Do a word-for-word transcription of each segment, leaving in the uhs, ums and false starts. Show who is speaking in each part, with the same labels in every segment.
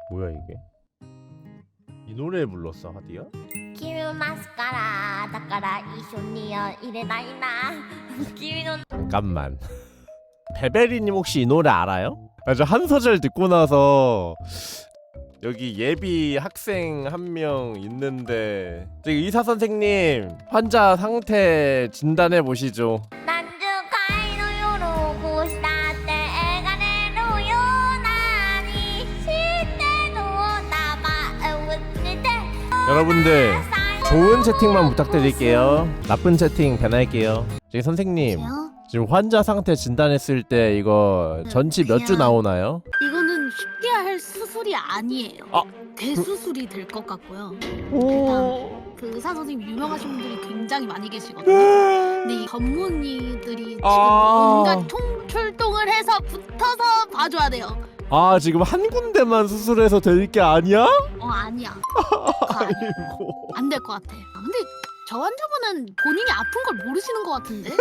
Speaker 1: 뭐야 이게? 이 노래 불렀어 하디야?
Speaker 2: 君をマスカラだから一緒には入れないな君の
Speaker 1: 잠깐만. 베베리님 혹시 이 노래 알아요? 아, 저 한 소절 듣고 나서 여기 예비 학생 한 명 있는데 저기 의사 선생님 환자 상태 진단해 보시죠.
Speaker 2: 何十回の夜をこうしたって描れるようなにしてどうだまうってて
Speaker 1: 여러분들 좋은 채팅만 부탁드릴게요. 나쁜 채팅 배날게요. 저기 선생님
Speaker 3: 여보세요?
Speaker 1: 지금 환자 상태 진단했을 때 이거 전치 몇 주
Speaker 3: 그냥-
Speaker 1: 나오나요?
Speaker 3: 이거는 쉽게 할 수술이 아니에요.
Speaker 1: 아,
Speaker 3: 대수술이 될 것 같고요.
Speaker 1: 오.
Speaker 3: 그 의사 선생님 유명하신 분들이 굉장히 많이 계시거든요. 근데 이 전문의들이 지금
Speaker 1: 아.
Speaker 3: 온갖 통, 출동을 해서 붙어서 봐줘야 돼요.
Speaker 1: 아 지금 한 군데만 수술해서 될 게 아니야?
Speaker 3: 어 아니야. 그거 아니야.
Speaker 1: 아이고.
Speaker 3: 안 될 것 같아. 아, 근데 저 환자분은 본인이 아픈 걸 모르시는 것 같은데?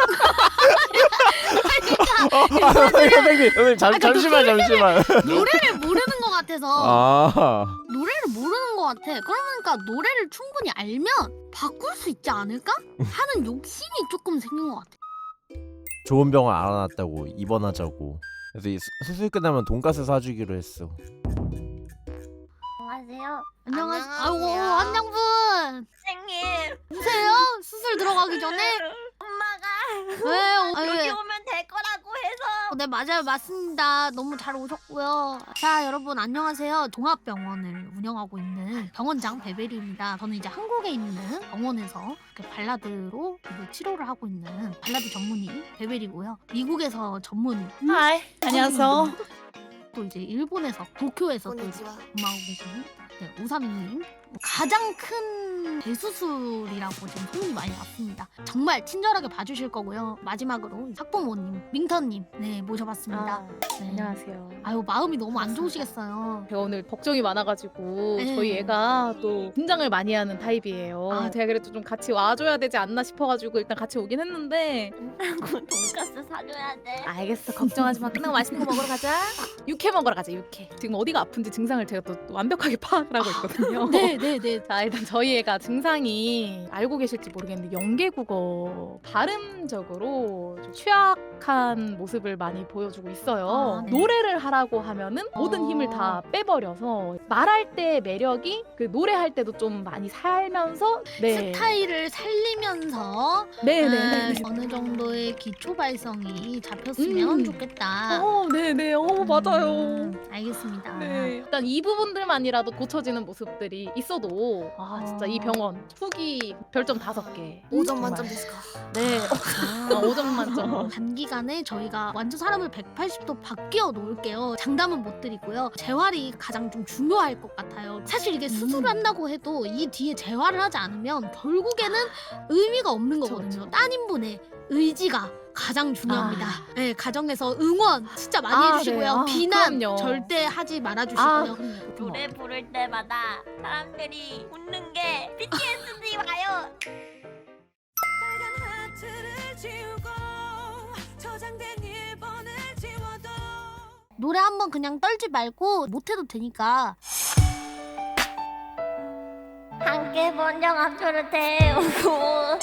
Speaker 1: 아, 선생님, 선생님 잠,
Speaker 3: 아, 그러니까
Speaker 1: 잠시만 잠시만.
Speaker 3: 노래를 모르는 것 같아서
Speaker 1: 아,
Speaker 3: 노래를 모르는 것 같아. 그러니까 노래를 충분히 알면 바꿀 수 있지 않을까? 하는 욕심이 조금 생긴 것 같아.
Speaker 1: 좋은 병원 알아놨다고 입원하자고. 그래서 이 수, 수술 끝나면 돈가스 사주기로 했어.
Speaker 2: 안녕하세요
Speaker 3: 안녕하세요.
Speaker 2: 안녕하세요.
Speaker 3: 아이고 환장분
Speaker 2: 선생님
Speaker 3: 오세요. 수술 들어가기 전에.
Speaker 2: 엄마가
Speaker 3: 왜? 어,
Speaker 2: 여기
Speaker 3: 왜?
Speaker 2: 오면 될 거라고 해서
Speaker 3: 어, 네 맞아요 맞습니다. 너무 잘 오셨고요. 자 여러분 안녕하세요. 종합병원을 운영하고 있는 병원장 베베리입니다. 저는 이제 한국에 있는 병원에서 이렇게 발라드로 이제 치료를 하고 있는 발라드 전문의 베베리고요. 미국에서 전문
Speaker 4: 하이 안녕하세요.
Speaker 3: 또 이제 일본에서 도쿄에서 또 이제 근무하고 계시는 네, 우사미님. 가장 큰 대수술이라고 지금 소문이 많이 났습니다. 정말 친절하게 봐주실 거고요. 마지막으로 학부모님, 민터님 네 모셔봤습니다.
Speaker 4: 아,
Speaker 3: 네.
Speaker 4: 안녕하세요.
Speaker 3: 아유 마음이 너무 안 좋으시겠어요.
Speaker 4: 제가 오늘 걱정이 많아가지고
Speaker 3: 네.
Speaker 4: 저희 애가 또 긴장을 많이 하는 타입이에요.
Speaker 3: 아.
Speaker 4: 제가 그래도 좀 같이 와줘야 되지 않나 싶어가지고 일단 같이 오긴 했는데
Speaker 2: 돈가스 사줘야 돼
Speaker 4: 알겠어 걱정하지 마. 끝나고 맛있는 거 먹으러 가자. 육회 먹으러 가자 육회. 지금 어디가 아픈지 증상을 제가 또 완벽하게 파악을 하고 있거든요.
Speaker 3: 네네네.
Speaker 4: 자 일단 저희 애가 증상이 알고 계실지 모르겠는데 영계국어 발음적으로 좀 취약한 모습을 많이 보여주고 있어요.
Speaker 3: 아, 네.
Speaker 4: 노래를 하라고 하면은 모든
Speaker 3: 어.
Speaker 4: 힘을 다 빼버려서 말할 때 매력이 그 노래할 때도 좀 많이 살면서 네.
Speaker 3: 스타일을 살리면서
Speaker 4: 네네.
Speaker 3: 아, 어느 정도의 기초 발성이 잡혔으면
Speaker 4: 음.
Speaker 3: 좋겠다.
Speaker 4: 어, 네네. 어, 맞아요.
Speaker 3: 음, 알겠습니다.
Speaker 4: 네. 일단 이 부분들만이라도 고쳐지는 모습들이 있어도 아 진짜 이 병원 후기 별점 다섯 개.
Speaker 5: 오 점
Speaker 4: 정말.
Speaker 5: 만점 데스까?
Speaker 4: 네. 아, 오 점 만점.
Speaker 3: 단기간에 저희가 완전 사람을 백팔십 도 바뀌어 놓을게요. 장담은 못 드리고요. 재활이 가장 좀 중요할 것 같아요. 사실 이게 수술을 한다고 해도 이 뒤에 재활을 하지 않으면 결국에는 의미가 없는
Speaker 4: 그쵸,
Speaker 3: 거거든요.
Speaker 4: 그쵸.
Speaker 3: 따님분의 의지가 가장 중요합니다.
Speaker 4: 아.
Speaker 3: 네, 가정에서 응원 진짜 많이
Speaker 4: 아,
Speaker 3: 해주시고요.
Speaker 4: 네. 아,
Speaker 3: 비난
Speaker 4: 그럼요.
Speaker 3: 절대 하지
Speaker 4: 아,
Speaker 3: 말아주시고요.
Speaker 4: 그럼요.
Speaker 2: 노래 부를 때마다 사람들이 웃는 게 비티에스들이 와요
Speaker 3: 노래 한번 그냥 떨지 말고 못해도 되니까.
Speaker 2: 함께 본 영화표를 태우고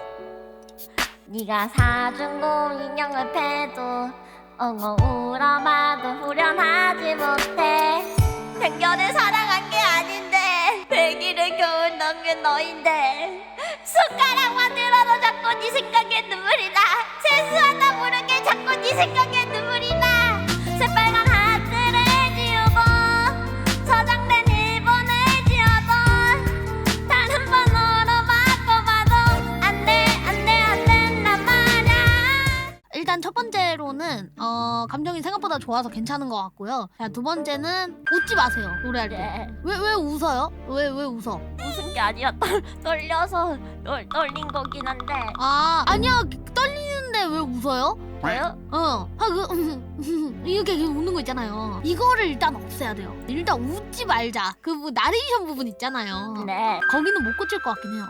Speaker 2: 네가 사준 곰 인형을 패도 엉엉 울어봐도 후련하지 못해 편견을 사랑한 게 아닌데 백일을 겨우 넘긴 너인데 숟가락만 들어도 자꾸 네 생각에 눈물이 나 세수하다 모르게 자꾸 네 생각에 눈물이 나 새빨간 하트를 지우고 저장된 일본을 지워도 단 한 번으로 바꿔봐도 안돼 안돼 안 된단 말야
Speaker 3: 일단 첫 번째로는 어, 감정이 생각보다 좋아서 괜찮은 것 같고요. 자, 두 번째는 웃지 마세요. 노래할 때.
Speaker 2: 네.
Speaker 3: 왜 왜 웃어요? 왜 왜 웃어?
Speaker 2: 웃은 게 아니라 떨, 떨려서 떨, 떨린 거긴 한데
Speaker 3: 아 아니야 떨리는데 때 왜 웃어요?
Speaker 2: 왜요?
Speaker 3: 어, 아, 그, 이렇게 웃는 거 있잖아요. 이거를 일단 없애야 돼요. 일단 웃지 말자. 그 뭐 나레이션 부분 있잖아요.
Speaker 2: 네.
Speaker 3: 거기는 못 고칠 것 같긴 해요.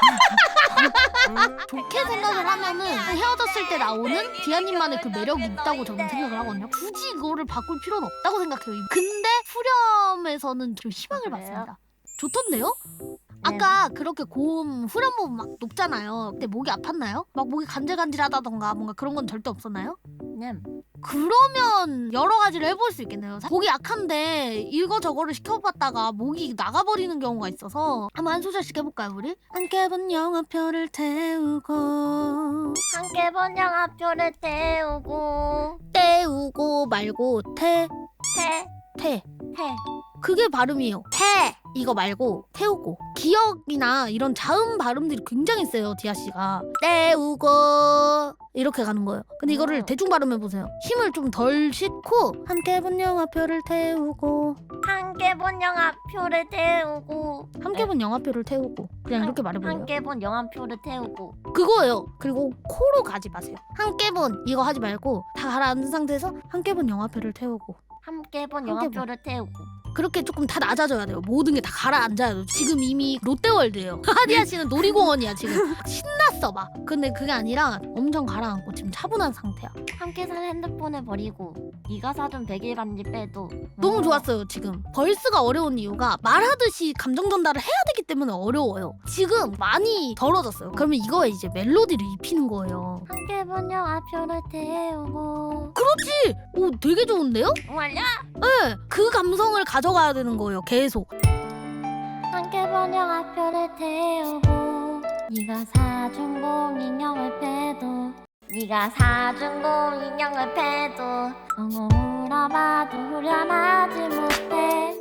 Speaker 3: 좋게 생각을 하면은 헤어졌을 때 나오는 디아님만의 그 매력이 있다고 저는 생각을 하거든요. 굳이 이거를 바꿀 필요는 없다고 생각해요. 근데 후렴에서는 좀 희망을
Speaker 2: 그래요?
Speaker 3: 봤습니다. 좋던데요? 아까 그렇게 고음 후렴 부분 막 높잖아요. 그때 목이 아팠나요? 막 목이 간질간질하다던가 뭔가 그런 건 절대 없었나요?
Speaker 2: 네.
Speaker 3: 그러면 여러 가지를 해볼 수 있겠네요. 목이 약한데 이거 저거를 시켜봤다가 목이 나가버리는 경우가 있어서 한번 한 소절씩 해볼까요 우리? 함께 본 영화표를 태우고
Speaker 2: 함께 본 영화표를 태우고
Speaker 3: 태우고 말고 태,
Speaker 2: 태,
Speaker 3: 태
Speaker 2: 태.
Speaker 3: 그게 발음이에요. 태 이거 말고 태우고 기억이나 이런 자음 발음들이 굉장히 세요 디아씨가. 태우고 이렇게 가는 거예요. 근데 이거를
Speaker 2: 음.
Speaker 3: 대충 발음해보세요. 힘을 좀 덜 싣고 함께 본 영화표를 태우고
Speaker 2: 함께 본 영화표를 태우고
Speaker 3: 함께 본 영화표를 태우고 그냥 이렇게 말해볼래요.
Speaker 2: 함께 본 영화표를 태우고
Speaker 3: 그거예요. 그리고 코로 가지 마세요. 함께 본 이거 하지 말고 다 가라앉은 상태에서 함께 본 영화표를 태우고
Speaker 2: 함께 본
Speaker 3: 함께
Speaker 2: 영화표를 태우고
Speaker 3: 그렇게 조금 다 낮아져야 돼요. 모든 게 다 가라앉아야 돼요. 지금 이미 롯데월드예요. 하디아 씨는 놀이공원이야 지금. 신났어 막. 근데 그게 아니라 엄청 가라앉고 지금 차분한 상태야.
Speaker 2: 함께 산 핸드폰을 버리고 네가 사준 백일 반지 빼도
Speaker 3: 너무
Speaker 2: 음.
Speaker 3: 좋았어요 지금. 벌스가 어려운 이유가 말하듯이 감정 전달을 해야 되기 때문에 어려워요. 지금 많이 덜어졌어요. 그러면 이거에 이제 멜로디를 입히는 거예요.
Speaker 2: 함께 본 영화표를 태우고
Speaker 3: 그렇지! 오 되게 좋은데요?
Speaker 2: 말야
Speaker 3: 네, 그 감성을 가져가야 되는 거예요 계속.
Speaker 2: 함께 본 영화표를 태우고 네가 사준 공인형을 빼도 네가 사준 공인형을 빼도 엉엉 울어봐도 후련하지 못해.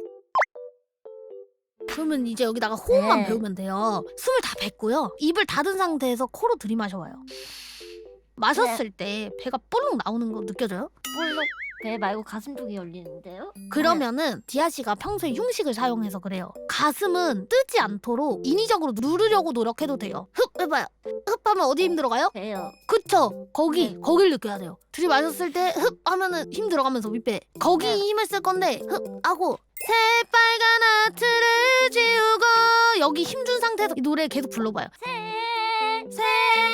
Speaker 3: 그러면 이제 여기다가 호흡만
Speaker 2: 네.
Speaker 3: 배우면 돼요. 숨을 다 뱉고요. 입을 닫은 상태에서 코로 들이마셔봐요. 마셨을 때 배가 볼록 나오는 거 느껴져요?
Speaker 2: 물론 배 말고 가슴 쪽이 열리는데요?
Speaker 3: 그러면은 디아 씨가 평소에 흉식을 사용해서 그래요. 가슴은 뜨지 않도록 인위적으로 누르려고 노력해도 돼요. 흡 해봐요. 흡 하면 어디 힘들어가요?
Speaker 2: 배요.
Speaker 3: 그쵸? 거기
Speaker 2: 네.
Speaker 3: 거길 느껴야 돼요. 들이마셨을 때 흡 하면은 힘 들어가면서 윗배 거기
Speaker 2: 네.
Speaker 3: 힘을 쓸 건데 흡 하고 새빨간 하트를 지우고 여기 힘 준 상태에서 이 노래 계속 불러봐요.
Speaker 2: 새
Speaker 3: 새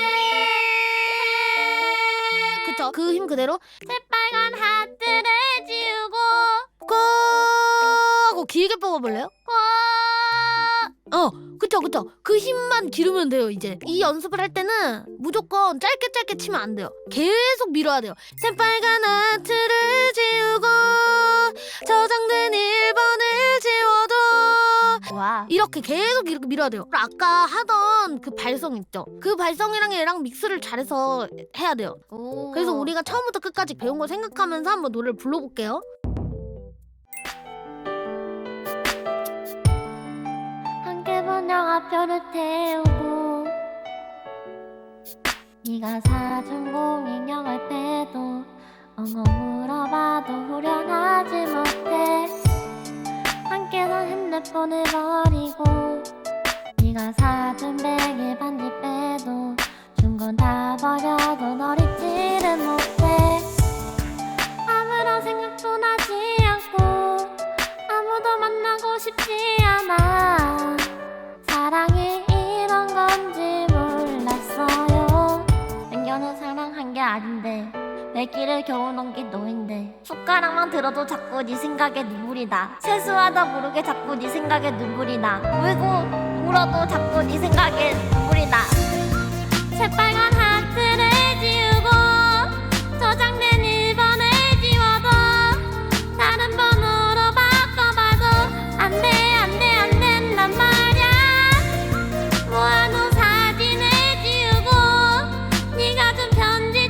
Speaker 3: 그쵸? 그 힘 그대로
Speaker 2: 새빨간 하트를 지우고
Speaker 3: 고 하고 길게 뽑아볼래요?
Speaker 2: 고
Speaker 3: 어 그쵸 그쵸 그 힘만 기르면 돼요. 이제 이 연습을 할 때는 무조건 짧게 짧게 치면 안 돼요. 계속 밀어야 돼요. 새빨간 하트를 지우고 저장된 일 번을 지워도
Speaker 2: 와
Speaker 3: 이렇게 계속 이렇게 밀어야 돼요. 아까 하던 그 발성 있죠? 그 발성이랑 얘랑 믹스를 잘해서 해야 돼요.
Speaker 2: 오.
Speaker 3: 그래서 우리가 처음부터 끝까지 배운 걸 생각하면서 한번 노래를 불러볼게요.
Speaker 2: 함께 본 영화표를 태우고 네가 사준 공인형을 빼도 엉엉 울어봐도 후련하지 못해. 함께 산 핸드폰을 버리고 네가 사준 백일 반지 빼도 준 건 다 버려도 널 잊지는 못해. 아무런 생각도 나지 않고 아무도 만나고 싶지 않아. 사랑이 이런 건지 몰랐어요. 맹견은 사랑한 게 아닌데 내 길을 겨우 넘긴 너인데 숟가락만 들어도 자꾸 네 생각에 눈물이 나. 세수하다 모르게 자꾸 네 생각에 눈물이 나. 울고 울어도 자꾸 네 생각에 눈물이 나. 새빨간 하트를 지우고 저장된 일 번을 지워도 다른 번호로 바꿔봐도 안돼 안돼 안 된단 말야. 모아놓은 사진을 지우고 네가 준 편지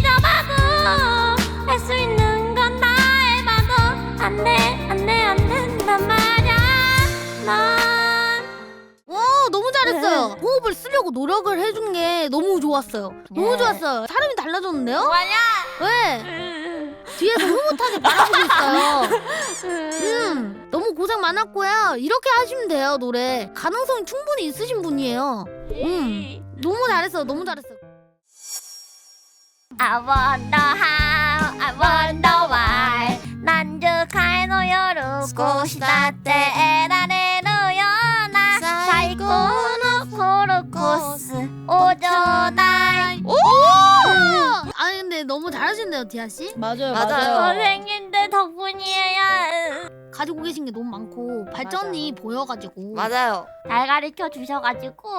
Speaker 2: 찢어봐도 할 수 있는 건 다 해봐도 안돼 안돼 안 된단 말야. 넌
Speaker 3: 와 너무 잘했어요. 호흡을 쓰려고 노력을 해준 게 너무 좋았어요. 너무
Speaker 2: 네.
Speaker 3: 좋았어요. 사람이 달라졌는데요?
Speaker 2: 뭐야?
Speaker 3: 왜? 뒤에서 흐뭇하게 바라보고 있어요. 음, 너무 고생 많았고요. 이렇게 하시면 돼요 노래. 가능성이 충분히 있으신 분이에요. 음, 너무 잘했어요. 너무 잘했어요.
Speaker 2: I wonder how, I wonder why. 何十回の夜少しだって得られるような最高のホロコースをちょうだい。
Speaker 3: 아니 근데 너무 잘하신대요 디아 씨.
Speaker 4: 맞아요,
Speaker 2: 선생님들 덕분이에요.
Speaker 3: 가지고 계신 게 너무 많고 발전이 보여가지고
Speaker 2: 맞아요. 잘 가르쳐 주셔가지고.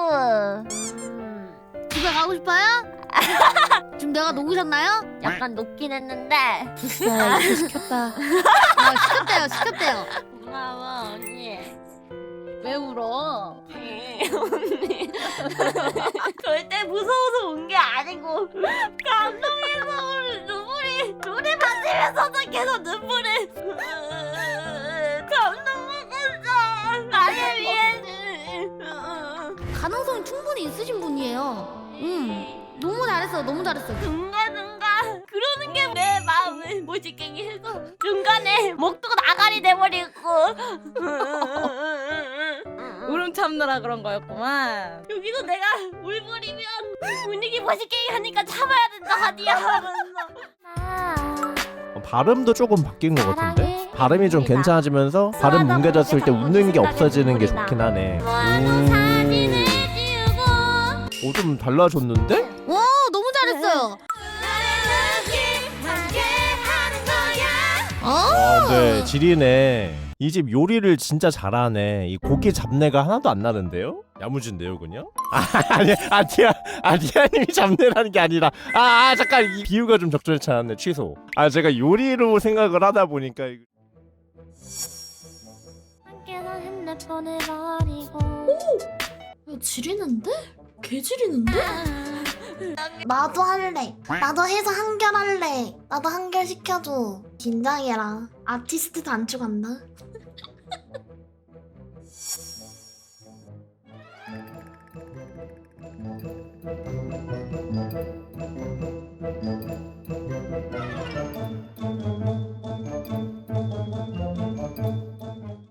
Speaker 3: 집에 가고 싶어요? 지금 내가 녹으셨나요?
Speaker 2: 약간 녹긴 했는데.
Speaker 4: 아, 시켰다.
Speaker 3: 아 시켰대요 시켰대요.
Speaker 2: 고마워 언니.
Speaker 4: 왜 울어?
Speaker 2: 언니. 절대 무서워서 온 게 아니고 감동해서 오는 눈물이 눈에 맞으면서도 계속 눈물이 감동 먹었어. 나를 위해.
Speaker 3: 가능성이 충분히 있으신 분이에요. 음 너무 잘했어 너무 잘했어.
Speaker 2: 중간중간 그러는 게 내 마음을 모질게게 해서 중간에 목도 나가리 돼버리고.
Speaker 4: 울음 참느라 그런 거였구만.
Speaker 2: 여기서 내가 울버리면 분위기 멋있게 하니까 참아야 된다 하디야 하면서.
Speaker 1: 어, 발음도 조금 바뀐 것 같은데? 발음이 좀 괜찮아지면서 발음 뭉개졌을 때 웃는 게 없어지는 게 좋긴 하네.
Speaker 2: 사진을 지우고
Speaker 1: 오, 좀 달라졌는데?
Speaker 3: 와 너무 잘했어요.
Speaker 1: 아, 네, 지리네. 이 집 요리를 진짜 잘하네. 이 고기 잡내가 하나도 안 나는데요? 야무진데요, 그냥? 아, 아니, 아니야, 아니야님이 잡내라는 게 아니라. 아, 아, 잠깐, 이 비유가 좀 적절치 않았네. 취소. 아, 제가 요리로 생각을 하다 보니까. 이거-
Speaker 2: 함께서 핸드폰을 버리고.
Speaker 3: 이거 지리는데? 개 지리는데?
Speaker 5: 나도 할래. 나도 해서 한결할래. 나도 한결 시켜줘. 긴장해라. 아티스트 단추 간다.